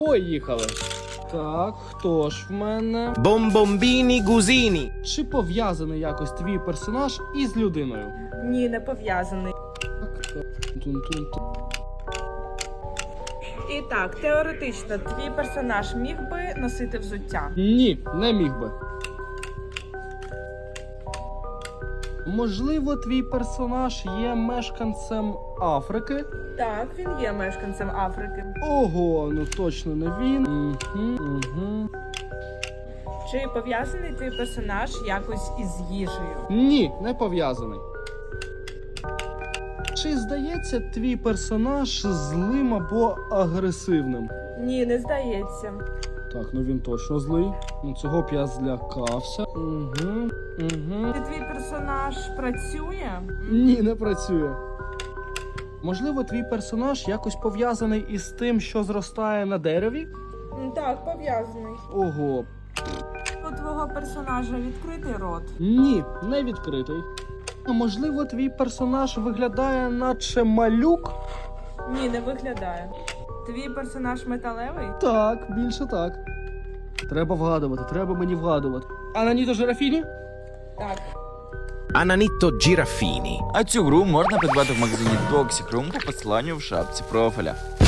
Поїхали. Так, хто ж в мене? Бомбомбіні гузіні. Чи пов'язаний якось твій персонаж із людиною? Ні, не пов'язаний. Так. Тун-тун-тун. І так, теоретично, твій персонаж міг би носити взуття? Ні, не міг би. Можливо, твій персонаж є мешканцем Африки? Так, він є мешканцем Африки. Ого, ну точно не він. Угу. Чи пов'язаний твій персонаж якось із їжею? Ні, не пов'язаний. Чи здається твій персонаж злим або агресивним? Ні, не здається. Так, ну він точно злий. Ну цього б я злякався. Угу. Чи твій персонаж працює? Ні, не працює. Можливо, твій персонаж якось пов'язаний із тим, що зростає на дереві? Так, пов'язаний. Ого. У твого персонажа відкритий рот? Ні, не відкритий. А можливо, твій персонаж виглядає наче малюк? Ні, не виглядає. Твій персонаж металевий? Так, більше так. Треба вгадувати, треба мені вгадувати. Ананіто Жирафіні? Так. Ананіто Джірафіні. А цю гру можна придбати в магазині Toxic Room по посиланню в шапці профіля.